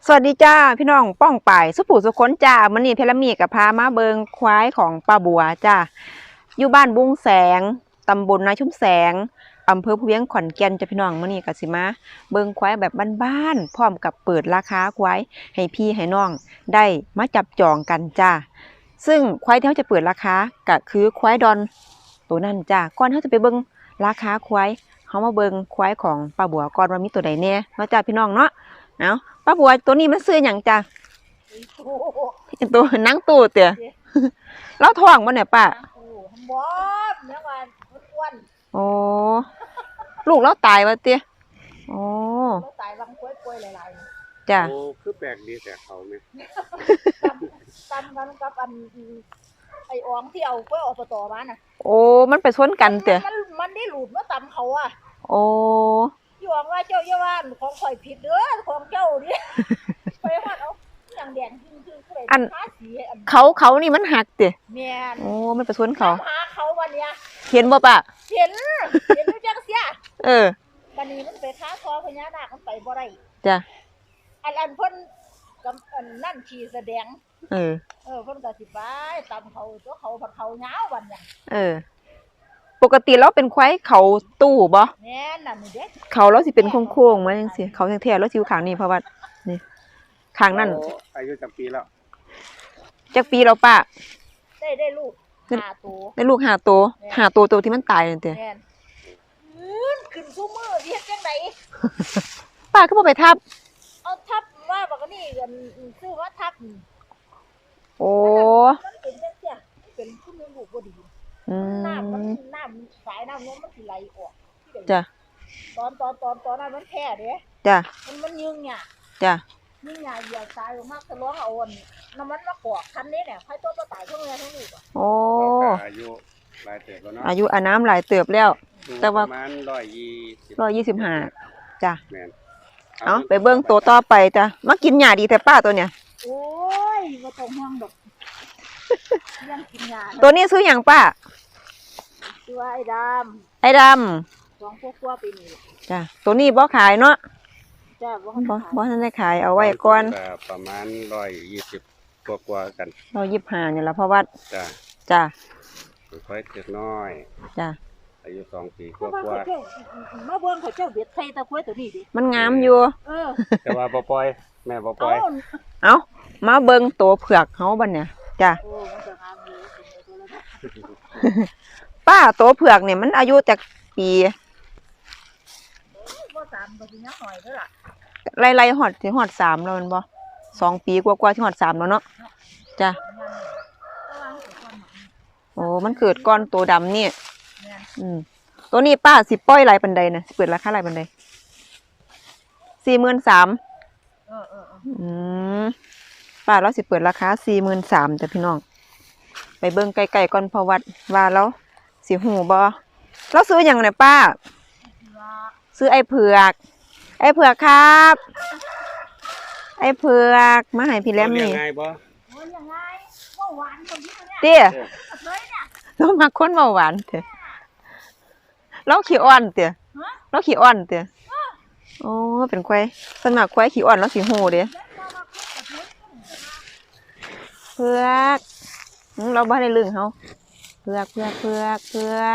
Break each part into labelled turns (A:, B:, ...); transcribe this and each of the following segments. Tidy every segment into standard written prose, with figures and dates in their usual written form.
A: สวัสดีจ้าพี่น้องป้องป่ายสุผู้สุขนจ้ามื้อนี้เทเลมีกับพามาเบิงควายของป้าบัวจ้าอยู่บ้านบุ้งแสงตำบลนาชุ่มแสงอำเภอภูเวียงขอนแก่นจ้าพี่น้องมื้อนี้ก็สิมาเบิงควายแบบบ้านๆพร้อมกับเปิดราคาควายให้พี่ให้น้องได้มาจับจองกันจ้าซึ่งควายที่เราจะเปิดราคาก็คือควายดอนตัวนั้นจ้าก่อนเราจะไปเบิงราคาควายเขามาเบิงควายของป้าบัวก่อนว่ามีตัวใดแน่เนาะจ้าพี่น้องเนาะเอาป้าบัวตัวนี้มันซื้อหยังจ้ะตัวนั่งตู้เตี๋ยเราท้องบ่เนี่ยป้า
B: บ่เนี่ยว่าอ้วน
A: โอ้ลูกเราตายวะเตี๋ยโอ้
B: เราตายบางป่วยหลาย
A: ๆจ้ะ
C: โอ้คือแปลกดีแต่เขาไหม
B: ตำกันกับอันไอ้อองที่เอากล้วยอบตมาน่ะ
A: โอ้มันไปชนกันเตี๋ย
B: มันได้หลุดมาตำเขาอ่ะ
A: โอ้
B: ที่อองว่าเจ้าอย่าว่าของข่อยผิดเด้อของเจ้านี่ไปฮอดเอาอย่างแดงจริงๆผู้ใดทาสี
A: เขานี่มันหักเตี๋ย
B: แม่น
A: โอ้มันไปชนเขา
B: หาเขาวันเนี้ย
A: เห็นบ่ป้า
B: เห็นอยู่จังเสียบัดนี้มันไปค้าคอพญานาคมันไปบ่ได้
A: จ้ะ
B: อันเพิ่นกับอันนั่นขี่แสดงเพิ่นก็สิไปตำเขาตัวเขาผัดเขายาววันเนี่ย
A: ปกติเราเป็นควายเขาตู้บ่
B: แม่นน่ะนี่เด้
A: เขาเราสิเป็นโค้งๆมาจังซี่เขาแท้ๆเราสิอยู่ข้างนี้เพราะว่านี่ข้างนั้น
C: อายุจักปีแล้ว
A: จักปีแล้วป้า
B: ได้ลูก5ตัว
A: ได้ลูก5ตัวที่มันตายนั่นเด้
B: แม่นขึ้นซุมื้อเฮ็ดจังได๋
A: ป้าก็บ่ไปทับ
B: เอาทับว่าบักนี่กันซื้อว่าทับ
A: โอ้
B: มันเป็นจังซี่เป็นผู้มีลูกบ่ดีน้ำสายน้ำนมมันสิไหลออก
A: จ้ะ
B: ตอนนั้นมันแพ้เด้
A: จ้ะ
B: มันยึงเนี่ย
A: จ้ะ
B: ยึงเนี่ยเหยียบตายออกมาทะลวงเอาน้ำมันมากอกคันนี้เนี่ยใครตัวบ่ตายทั้งแม่ทั้งลูกอ่ะ
A: โอ้
C: อายุหลายเติบแล้วเนาะ
A: อายุอาน้ำหลายเติบแล้วแต่ว่า
C: ประมาณ
A: 125จ้ะ
C: แม่น
A: เอาไปเบิ่งตัวต่อไปจ้ะมากินหญ้าดีแต่ป้าตัวเนี่ย
B: โอ้ยบ่ต้องห่วงดอกยังกินหญ้า
A: ตัวนี้ซื้อหยังป้า
B: ชื่อว่าไ
A: อ้ด
B: ำ2พวกปีนี้
A: จ้ะตัวนี้บ่ขายเนาะ
B: จ้ะ
A: บ่ทันได้ขายเอาไว้ก่อน
C: ประมาณ120กว่ากัน
A: 125นี่ล่ะเพราะว่าจ้ะ
C: ค่อยเล็กน้อย
A: จ้ะ
C: อายุ2 ปีกว่า
B: มาเบิ่งเขาเจ้าเบ็ดใส่ตะกล้วยตัวนี้ดิ
A: มันงามอยู่
C: แต่ว่าบ่ปล่อยแม่บ่ปล่อย
A: เอามาเบิ่งตัวเผือกเฮาบัดเนี่ยจ้ะ
B: โอ้มันจะงามอยู่
A: ป้าตัวเผือกเนี่ยมันอายุจากปี
B: บ่3ก็สิยังน้อยเด้อล่ะ
A: ไล่ๆฮอด3แล้วแม่นบ่2 ปีกว่าๆสิฮอด3แล้วเนาะจ้ะโอ้มันเกิดก่อนตัวดำนี่ตัวนี้ป้าสิปล่อยหลายปานใดน่ะสิเปิดราคาหลายปานใด43,000ป้าเราสิเปิดราคา43,000จ้ะพี่น้องไปเบิ่งไกลๆก่อนเพราะว่าเราสิหูบ่เราซื้อหยังเนี่ยป้าซื้อไอ้เผือกครับไอ้เผือกมาให้พี่แหลมนี่
C: ง่ายบ่
B: ยังไงบ่หวานคนนี้เนี่ย
A: เตี้ยเรามาคนเบาหวานเตี้ยเราขี้อ่อนเตี้ยโอ้เป็นควายสมัครควายขี้อ่อนแล้วสิหูเด้เผือกเราบ่ได้ลึงเฮาเผือก
C: กินหญ้าเก่ง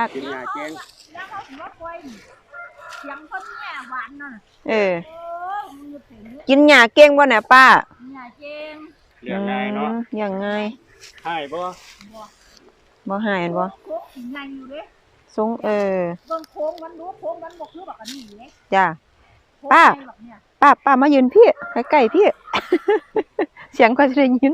A: กินหญ้าเก่งบ่เนี่ยป้า
B: หญ้าเก่ง
C: เลี้ยงง่ายเนาะ
A: อย่างง่าย
C: หายบ่
A: หายบ่
B: โค้งใหญ่อยู่เด้
A: ทรง
B: เบิ่งโค้งมันรู้โค้งมันบ่คือบักอันนี้เด้
A: จ้ะป้ามายืนพี่ใกล้ๆพี่เสียงก็จะได้ยิน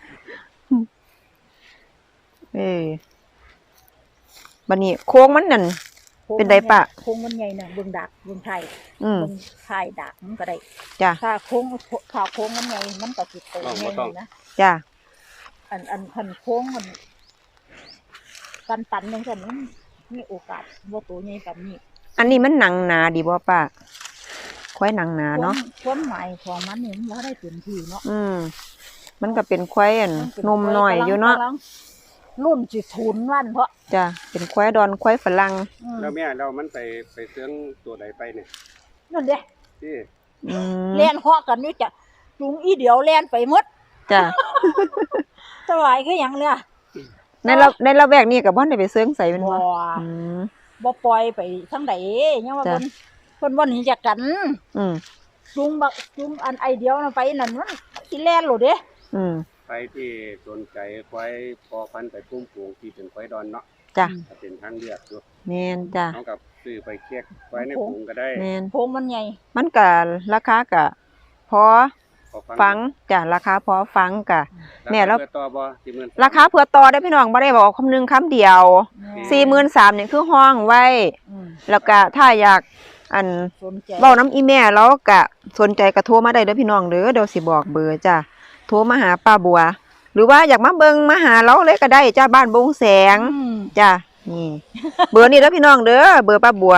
A: บัดนี้โค้งมันนั่นเป็นไดป้า
B: โค้งมันใหญ่น่ะเบิ่งดักเบิ่งไทยเบิ่งไทยดักมันก็ได้
A: จ้ะ
B: ถ้าโค้งมันใหญ่มันก็สิโตใหญ่นะ
A: จ้ะ
B: อันคันโค้งมันกันตันจังซั่นมันมีโอกาสบ่โตใหญ่ปานนี้
A: อันนี้มันหนังหนาดีบ่ป้าควายหนังหนาเนาะ
B: ความหมายของมันนี่มันบ่ได้เต็มที่เนาะ
A: มันก็เป็นควายนมน้อยอยู่เนาะ
B: รุ่นสิทุนวันเพราะ
A: จ้ะเป็นควายดอนควายฝรั่ง
C: แล้วแม่เรามันไปเซื้องตัวใดไปเนี่ย
B: นั่นเด้
C: ที่
B: เรียนฮอกกันนี่จ้ะจุงอีเดียวแล่นไปหมด
A: จ้ะ
B: สบายคือหยังเนี่ย
A: ในละแวกนี้ก็บ่ได้ไปเซิงใส่แม่น
B: บ่
A: บ่อืม
B: บ่ปล่อยไปทางใดยังว่า
A: จ้ะ
B: เพิ่นบ่หนีจากกัน
A: อืม
B: จุงอันไอเดียวนั่นไปนั่นมันสิแล่นโลดเด้
A: อืม
C: ไปที่สนใจควายพอพันธุ์ไปปุ้มปลูกที่เป็นควายดอนเนาะ
A: จ้ะ
C: ก็เป็นทางเลือกอยู่
A: แม่นจ้ะ
C: เอากับซื้อไปเคียกไว้ในปลูกก็ได้
A: แม่น
B: โพงมันใหญ่
A: มันก็ราคาก็พอ
C: พอ
A: ฟังจ้ะราคาพอฟังก็ แม่แล้ว
C: เพื่อต่อบ่40,000
A: ราคาเผื่อต่อได้พี่น้องบ่ได้บอกคำนึงคำเดียว 43,000นี่คือห้องไว้
B: อืม
A: แล้วก็ถ้าอยากอัน
B: สนใจ
A: เว้าน้ำอีแม่แล้วก็สนใจก็โทรมาได้เด้อพี่น้องเด้อเดี๋ยวสิบอกเบอร์จ้ะโทรมาหาป้าบัว หรือว่าอยากมาเบิ่งมาหาเราเลยก็ได้จ้าบ้านบงแสง
B: อืม
A: จ้ะนี่ เบอร์นี้เด้อพี่น้องเด้อเบอร์ป้าบัว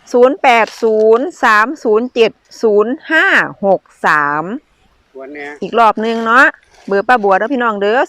A: 0803070563
C: วันเนี้ย
A: อีกรอบนึงเนาะเบอร์ป้าบัวเด้อพี่น้องเด้อ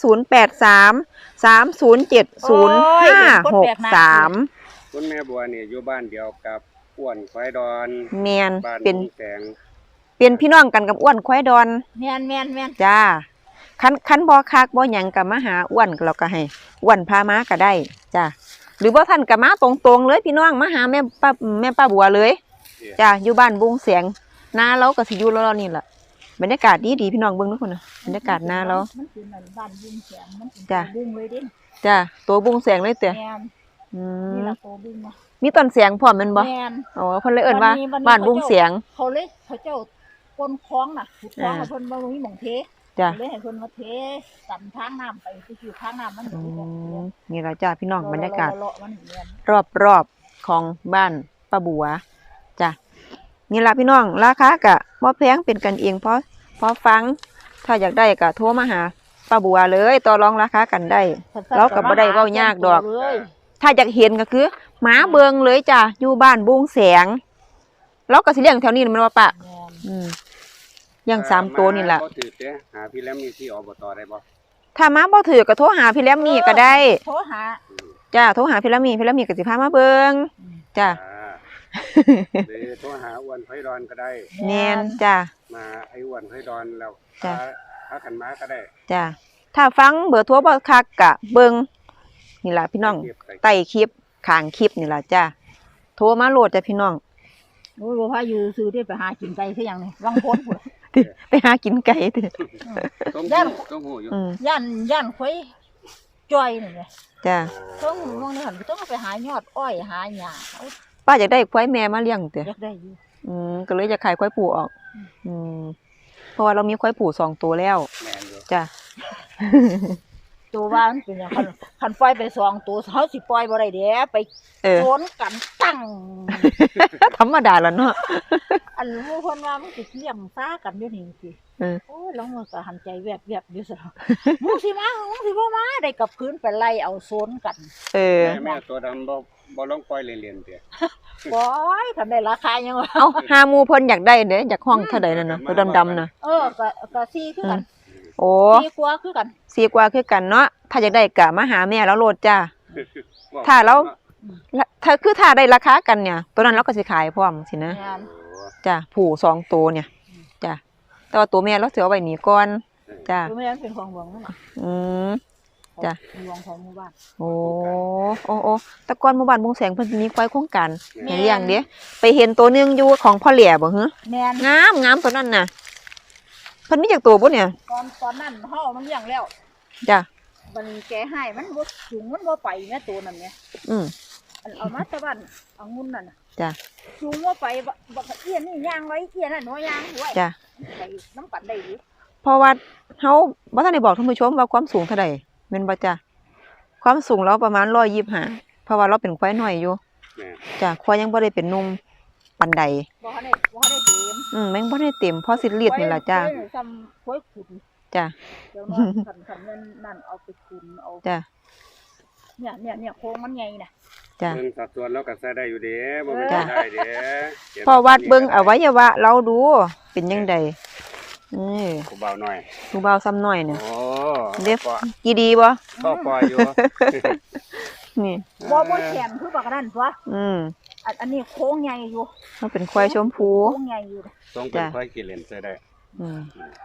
A: 0833070563
C: คุณแม่บัวนี่อยู่บ้านเดียวกับอ้วนควายดอน
A: แม่น
C: บ้าน
A: เป็น
C: บุงแสง
A: พี่น้องกันกับอ้วนควายดอน
B: แม่น
A: จ้าคันบ่คักบ่หยังก็มาหาอ้วนเราก็ให้อ้วนพามาก็ได้จ้าหรือบ่ท่านก็มาตรงๆเลยพี่น้องมาหาแม่ป้าบัวเลยจ้าอยู่บ้านบุงเสียงนาเราก็สิอยู่รอๆนี่ล่ะบรรยากาศดีพี่น้องเบิ่งทุกคนน่ะบรรยากาศนาเรา
B: มันคือนั่นบ้านบุ้งแสงมันเป็น
A: จ้ะ
B: บุ้งเลยเด้
A: จ้าตัวบุงเสียงเลยเตะ
B: แม่น
A: อื
B: นี่
A: ม
B: ล่ะโตบุ้งเนาะ
A: มีต้นเสียงพร้อมแม่นบ่
B: แม่น
A: อ๋อเพิ่นเลยเอิ้นว่า
B: วันนี้
A: บ้านบุงเสียง
B: เขาเจ้าก้นคลองน่ะขุดคลอง
A: อ่า
B: เพิ่นบ่มีหม่องเท
A: จ้า
B: เลยให้เพิ่นมาเทกันทางน้ำไปคือทางน้ำมัน
A: อื
B: อยู่
A: มนี่ล่ะจ้าพี่น้องบรรยากาศ
B: เลาะๆมันเรียน
A: รอบๆของบ้านป้าบัวจ้ะนี่ล่ะพี่น้องราคาก็บ่แพงเป็นกันเองพอฟัง ถ้าอยากได้ก็โทรมาหาป้าบัวเลยต่อรองราคากันได้ เราก็บ่ได้เว้ายากดอก
B: เลย
A: ถ้าอยากเห็นก็คือหมาเบิงเลยจ้ะอยู่บ้านบุงแสงเราก็สิเลี้ยงแถวนี้แมันว่าปะ
B: แม่น
A: เลี้ยง3ตัวนี่ล่ะ
C: บ่ถือเด้หาพี่แล้วมีที่อบตได้บ่
A: ถ้ามาบ่ถือก็โทรหาพี่แลมมี่ก็ได้
B: โทรหา
A: จ้ะโทรหาพี่แลมมี่ก็สิพามาเบิงจ้ะ
C: หรือโทรหาอ้วนควายดอนก็ได้
A: แม่นจ้ะ
C: มาไอ้อ้วนควายดอนแล้ว
A: จ้ะ
C: พากันมาก็ได้
A: จ้ะถ้าฟังเบอร์โทรบ่คักก็เบิงนี่ล่ะพี่น้อง ใต้คลิปข้างคลิปนี่ล่ะจ้ะโทรมาโหลดจ้ะพี่น้อง
B: โอ้ยบ่พาอยู่ซื้อได้ไปหากินไก่คือหยังนี่วังพ้นพุ่น
A: ไปหากินไก่เด้อ
C: ต้องหูอยู่
B: ย่านข่อยจ้อยนี่แหละ
A: จ้ะ
B: ต้องมองนี่หั่นต้องไปหายอดอ้อยหาหญ้าเอา
A: ป้าอยากได้ควายแม่มาเลี้ยงเด้อ
B: อยากได้อยู่
A: ก็เลยจะขายควายผูออก เพราะว่าเรามีควายผู2ตัวแล้ว
C: แม่นอยู่
A: จ้ะ
B: ตัวว่ามันเป็นหยังคันปล่อยไป2ตัวเฮาสิปล่อยบ่ได้เด้ไป โซนกันตั้ง
A: ธรรมดาแล้วเนาะ
B: อันหมู่เพิ่นว่ามันสิเลี้ยงซ่ากันอยู่นี่สิ
A: เออ
B: โอ้ยลองมือก็หันใจแวบๆอยู่ซะมึงสิมามึงสิบ่มาได้กลับคืนไปไล่เอาโซนกัน
A: เออ
C: แม่ตัวดำบ่ลองปล่อยเล่นๆเด้
B: ปล่อยคันได้ราคายังวะ
A: เอาหาหมูเพิ่นอยากได้เด้อยากห้องเท่าใดนั่นน่ะตัวดำๆน่ะ
B: ก็ซี่คือกัน
A: โอ้
B: ซี่กว่าคือกัน
A: สีกว่าคือกันเนาะถ้าอยากได้ก็มาหาแม่แล้วโลดจ้า ถ้าเรา ถ้าได้ราคากันเนี่ย ตัวนั้นเราก็สิขายพร้อมสินะ
B: งาน
A: จ้ะผู2ตัวเนี่ยจ้ะแต่ว่าตัวแม่เราสิเอาไว้นี่ก่อนจ้ะ
B: คือไม่นั้นเป็นของหลวงนั่นน่ะ
A: อืม จ้ะ
B: หลวงของหมู่บ้าน
A: โอ้แต่ก่อนหมู่บ้านบงแสงเพิ่นสิมีควายโครงการให้เลี้ยงเด้ไปเห็นตัวหนึงอยู่ของพ่อแหล่บ่ฮึ
B: แม่น
A: งามตัวนั้นน่ะเพิ่นมีจักตัวบ่เนี่ย
B: ตอนนั้นเฮามันเลี้ยงแล้ว
A: จ้ะ
B: มันแกให้มันบ่สูงมันบ่ไปแม่ตัวนั้นแม่
A: อืม
B: อันเอามาแต่บ้านเอางุ่นนั่นน่ะ
A: จ้ะ
B: สูงบ่ไปบ่เอียนนี่ย่างไว้เอียนนั่นบ่ย่างไว้
A: จ้ะ
B: ไปน้ำกันได้อยู่
A: เพราะว่าเฮาบ่ทันได้บอกท่านผู้ชมว่าความสูงเท่าใดแม่นบ่จ้ะความสูงเราประมาณ125เพราะว่าเราเป็นควายน้อยอยู่
C: แม่
A: จ้ะควายยังบ่ได้เป็นหนุ่มปานใด
B: บ่ทันได้เต็ม
A: แม่งบ่ได้เต็มพอสิเลียดนี่ล่ะจ้ะ
B: ไว้ซ้ำไว้ขุน
A: จ้ะ
B: เดี๋ยวนั้นคันนั่นเอาไปขุนเอา
A: จ้ะ
B: เนี่ยโครงมันใหญ่น่ะ
A: จ้ะ
C: เบิ่งสัดส่วนเราก็ใส่ได้อยู่เด้บ่แม่น
A: จ้ะ
C: ได้เด้
A: พอวัดเบิ่งอวัยวะเราดูเป็นจังไดนี่
C: กูเบาหน่อย
A: ผู้บ่าวซ้ำน้อยเนี่ย
C: โอ้
A: เด็บ
C: ก็
A: กี่ดีบ่
C: ก็ปล่อยอยู่
A: นี่
B: บ่แข็งคือบักนั่นตัว อันนี้โค้งใหญ่อยู่
A: มันเป็นควายชมพู
B: โค้งใหญ่อยู่
C: ต้องเป็นควายกิเลนใส่ได้
A: อืม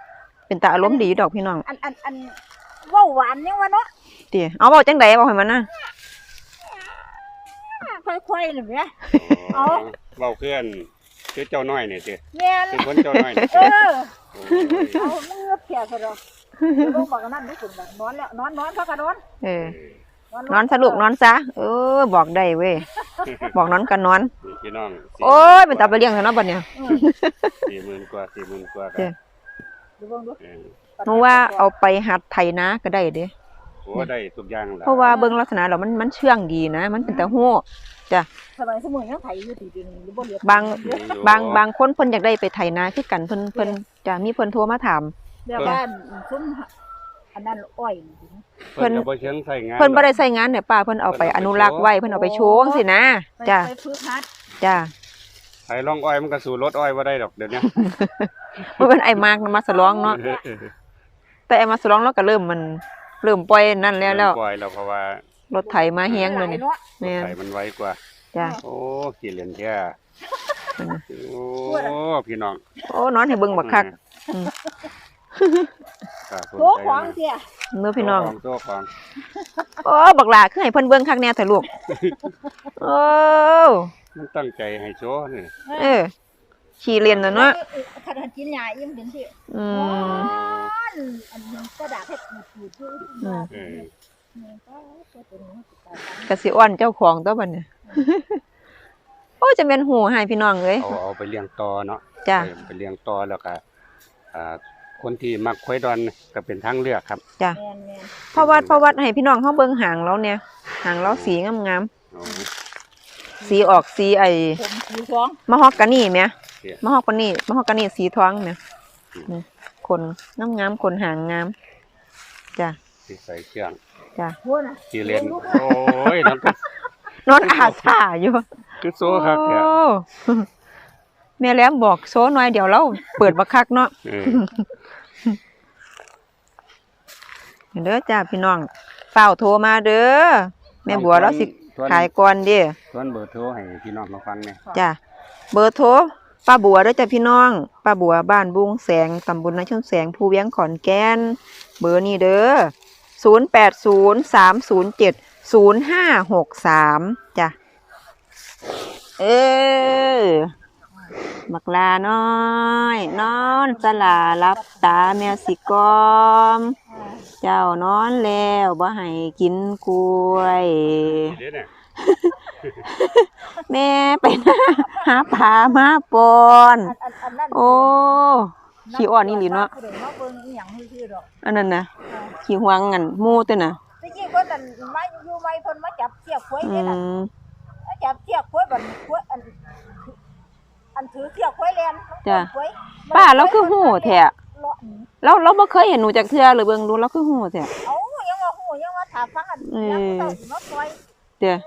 A: เป็นตาอารมณ์ดีดอกพี่น้อง
B: อันเว้าหวานยังวะเนาะ
A: ติเอาเว้าจังได๋เว้าให้มันนะ
B: ค่อยๆเลยแม่ เอา
C: เว้าเพื่อนคือเจ้าน้อยนี่ติ
B: แม่น
C: คือคนเจ้าน้อยนี่
B: เออ
C: โอ้
B: เอามึงเงือบเพียซะดอกลงบอกกันนั่นได้คุณแบบนอนแล้วนอนพักกันนอน
A: เออ นอนซะลูกนอนซะบอกได้เว้ย บอกนอนก็นอน
C: นี่พี่น้อง
A: โอ้ยเป็นตาไปเลี้ยงเถอะเนาะบัดเนี้ย
C: 40,000 กว่า 40,000 กว่า
A: เด้อ
B: ดูเบิ่งดู
C: เออ
A: หนูว่าเอาไปหัดไถนาก็ได้เด้
C: โอ้ได้ทุกอย่างล่ะ
A: เพราะว่าเบิ่งลักษณะแล้วมันเชื่องดีนะ มันเป็นตาฮู้จ้ะ
B: สมัยสมุนยังไถอยู่ที่ดินหรือบ่เหลือบ
A: างคนเพิ่นอยากได้ไปไถนาคือกันเพิ่นจะมีเพิ่นโทรมาถาม
B: เดี๋ยวบ้านซุ่มอันนั้นอ้อย
C: เพิ่นก็บ่เชิงใส่งาน
A: เพิ่นบ่ได้ใช้งานเนี่ยป้าเพิ่นเอาไปอนุรักษ์ไว้เพิ่นเอาไปโชว์จังซี่นะจ้ะ
B: ไปฝึกหัด
A: จ้ะ
C: ไถลองอ้อยมันก็สู้รถอ้อยบ่ได้ดอกเดี๋ยวนี้
A: บ่เป็นไอ้มากนะมาสลองเนาะแต่ไอ้มาสลองแล้วก็เริ่มปล่อยนั่นแล้ว
C: ปล่อยแล้วเพราะว่าร
A: ถไถมาแฮงเลยนี่แม่น
C: ไถมันไวกว่า
A: จ้ะ
C: โอ้ขี้เล่นแท้โอ้พี่น้อง
A: โอ้นอนให้เบิ่งบักคัก
B: โถของเสีย
A: เนื้อพี่น้อง
C: ตัวของ
A: โอ้บักหลาคือให้เพิ่นเบิ่งคักแน่เถอะลูกโอ้
C: มันตั้งใจให้โชว์นี่
A: ขี้เลียนน่ะเนาะ
B: คันกินหญ้าอิ่มเป็นสิ
A: อืม
B: อันนี้กระดาษเฮ็ดปูดอยู่
C: เออ
A: ก็สิอ้อนเจ้าของตัวบัดเนี่ยโอ้จะแม่นหูให้พี่น้องเอ้ย
C: เอาไปเลี้ยงต่อเนาะ
A: จ้ะ
C: ไปเลี้ยงต่อแล้วก็คนที่มักควายดอนก็เป็นทางเลือกครับ
A: จ้ะ
B: แม่น
A: เพราะวัดให้พี่น้องเฮาเบิ่งหางเราเนี่ยหางเราสีงาม
C: โอ้
A: ๆสีออกสีไอ้
B: ๆผมสีทอง
A: มะฮอกกานี่แหม
C: เสีย
A: มะฮอกกานี่สีทองแหมนี่คนงามๆคนหางงามจ้ะ
C: ที่ใส่เครื่อง
A: จ้ะ
B: พูดน่ะ
C: ที่เล่นโอ้ยนั่นก็
A: นอนอาซ่าอยู่
C: คือโซ่ครับแท้
A: โอ้แม่แหลมบอกโซหน่อยเดี๋ยวเราเปิดบักคักเนาะ
C: เออ
A: เด้อจ้าพี่น้องเฝ้าโทรมาเด้อแม่บัวเราสิขายก่อนเด้อ
C: ส่วนเบอร์โทรให้พี่น้องมาฟังเนี่ย
A: จ้าเบอร์โทรป้าบัวเด้อจ้าพี่น้องป้าบัวบ้านบุงแสงตำบลนาชนแสงภูเวียงขอนแก่นเบอร์นี้เด้อ0803070563จ้ะบักลาน้อยนอนสลารับตาแมวสิกอม เจ้านอนแล้วบ่ให้กินกล้วย
C: เดี๋ยวเนี่ย
A: แม่ไปหาปลามาปอน
B: อันนั้น
A: โอ้ขี้อ่อนนี่หลีเนาะ
B: เดี๋ยวมาเบิ่งอีหยังซื่อๆดอก
A: อันนั้นน่ะขี้หวงกันหมู่ตัวน่ะ
B: ตะกี้เพิ่นนั่นมาอยู่ใหม่เพิ่นมาจับเสียกควาย
A: อื
B: นี่น่ะ
A: ม
B: มาจับเสียกควายบัดควายอันถือเสียกควายแลน
A: จ้ะ
B: ควาย
A: ป้าเราคือหู้แท้
B: เลาะหนี
A: เราบ่เคยเห็นหนูจักเทื่อเลยเบิ่งดูเราคือหู้แท้
B: เอ้ายังว่าฮู้ยังว่าถ้าฟังอันยังเจ้าสิมาปล่อย
A: เด้อ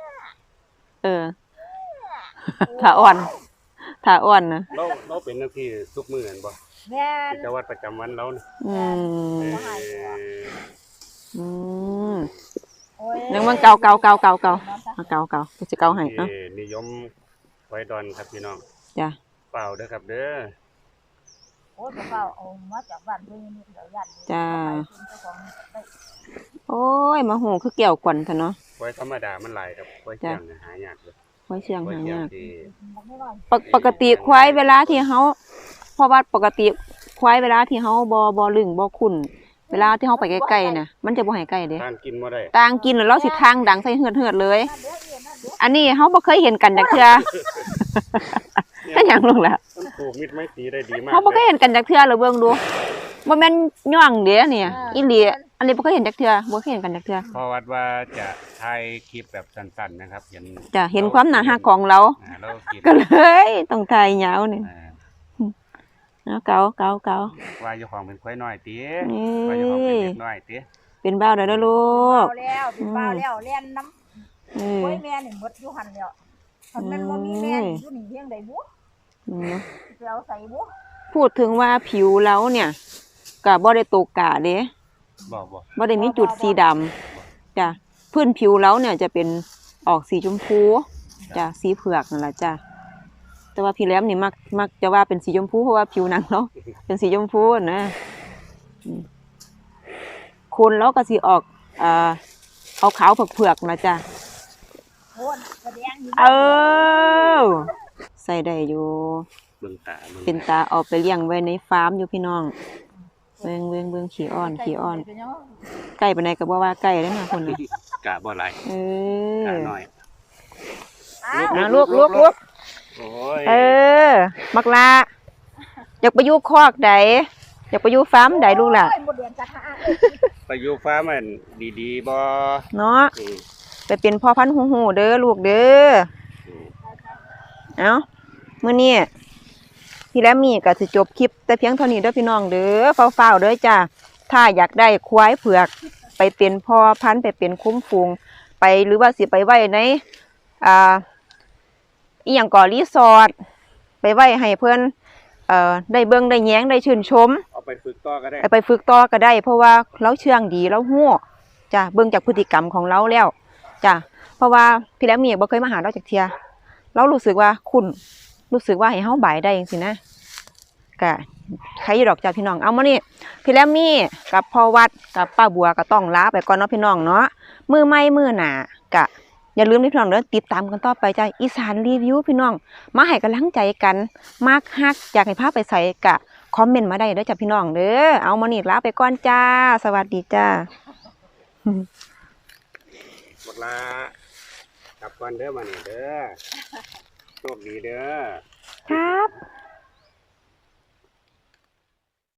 A: ถ้าอ่อนนะ
C: เราเป็นหน้าที่ทุกมื้อเห็นบ่
B: แม่น
C: กิจวัตรประจำวันเราเนี่ย
A: อืม
C: เออ
A: อืม
B: โอ้ย
A: ยังมันเก่าเอาเก่ากูสิเก่าให้เอ้า
C: ที่นิยมควายดอนครับพี่น้อง
A: จ้ะ
C: เปล่าเด้อครับเด้อ
B: โอ้ยเฝ้าเอามาจากบ้านเพิ่นนี่เดี๋ยวยัน
A: จ้า
B: เจ้าของได้
A: โอ้ยมาหูคือแก้วกวนซะเนาะ
C: ควายธรรมดามันหลายครับควายเชียงเนี่ยหายากเลย
A: ไว้เชียง
C: ควาย
A: หา
C: เชียง
A: ยาก
C: ที่
B: ไม่น้อย
A: ปกติควายเวลาที่เฮาเพราะว่าปกติควายเวลาที่เฮาบ่ลึงบ่คุ้นเวลาที่เฮาไปใกล้ๆน่ะมันจะบ่ให้ใกล้เด้
C: ทานกินบ่ได้
A: ต่างกินแล้วเราสิทางดังใส่เหือดๆเลย
B: นั่นเด้อเอียนั่นเด้อ
A: อันนี้เฮาบ่เคยเห็นกันจักเทื่ออันหยังลงล่ะ
C: มันปลูกมิตรไม้ตรีได้ดีมาก
A: เฮาบ่เคยเห็นกันจักเทื่อเลยเบิ่งดูบ่แม่นย่องเด้เนี่ยอีหลีอันนี้บ่เคยเห็นจักเทื่อบ่เคยเห็นกันจักเทื่อ
C: เพราะว่าจะถ่ายคลิปแบบสั้นๆนะครับเห็น
A: จะเห็นความน่าฮักของเรา
C: เรากิน
A: ก็เลยต้องถ่ายยาวนี่
C: อ่า
A: เอาเกา
C: ว่าเจ้าของเป็นควายน้อยติ
A: นี่
C: ว่าเจ้าของเป็นเด็กน้อยติ
A: เป็นบ้าวได้แล้วลูก
B: เอาแล้วเป็นบ้าแล้วเล่นน้ำ
A: เอ
B: โอ้
A: อย
B: แม่นี่หมดอยู่หันแล้วคันแม่นบ่มีแม่นี่อยู่นี่เพียงใดบุ
A: อืม
B: สิเอาใส่บุ
A: พูดถึงว่าผิวเราเนี่ยก็บ่ได้ตกกะเด้
C: บ่
A: บ่ได้มีจุดสีดำจ้ะพื้นผิวเราเนี่ยจะเป็นออกสีชมพูจ้ะสีเผือกนั่นล่ะจ้ะแต่ว่าพี่แหลมนี่มักจะว่าเป็นสีชมพูเพราะว่าผิวหนังเราเป็นสีชมพูนะคุณแล้วก็สิออกขาวๆเผือกๆนะจ้ะ
B: โคนแสดงอยู่
A: ใส่ได้อยู่
C: เบิ่งตาเบิ่ง
A: เป็นตาเอาไปเลี้ยงไว้ในฟาร์มอยู่พี่น้องเบิ่งขี้อ้อนใกล้ปานใดก็บ่ว่าใกล้แล้วนะคนน่ะ
C: กะบ่หลาย กะน้อย
A: ลูก
C: โอ้ย
A: มักลาอยากไปอยู่คอกใดอยากไปอยู่ฟาร์มใดลูกล่ะ
B: หมดเดือนกระทะ
C: ไปอยู่ฟ้ามันดีๆบ่
A: เนาะ
C: อืม
A: ไปเป็นพ่อพันธุ์หูเด้อลูกเด้อ
C: อืม
A: เอ้ามื้อนี้พี่และมีก็สิจบคลิปแต่เพียงเท่านี้เด้อพี่น้องเด้อเฝ้าๆเด้อจ้าถ้าอยากได้ควายเผือกไปเป็นพ่อพันธุ์ไปเป็นคุ้มฝูงไปหรือว่าสิไปไว้ในอีหยังก่อรีสอร์ทไปไว้ให้เพิ่นได้เบิ่งได้แย้งได้ชื่นชม
C: เอาไปฝึกต่อก็ได้
A: ไปฝึกต่อก็ได้ เพราะว่าเราเชื่องดีเราฮู้จ้ะเบิ่งจากพฤติกรรมของเราแล้วจ้ะเพราะว่าพี่และมีบ่เคยมาหาเราจากเที่ยเรารู้สึกว่าคุ้นรู้สึกว่าให้เฮาบ่ายได้จังซี่นะก็ใครอยู่ดอกจ้ะพี่น้องเอามานี่พี่และมีกับพ่อวัดกับป้าบัวก็ต้องลาไปก่อนเนาะพี่น้องเนาะมื้อใหม่มื้อหน้าก็อย่าลืมพี่น้องเด้อติดตามกันต่อไปจ้ะอีสานรีวิวพี่น้องมาให้กำลังใจกันมากฮักอยากให้พาไปใส่กะคอมเมนต์มาได้เด้อจ้ะพี่น้องเด้อเอามานี่ลาไปก่อนจ้าสวัสดีจ้า
C: บักลากลับก่อนเด้อมานี่เด้อโชคดีเด้อ
A: ครับ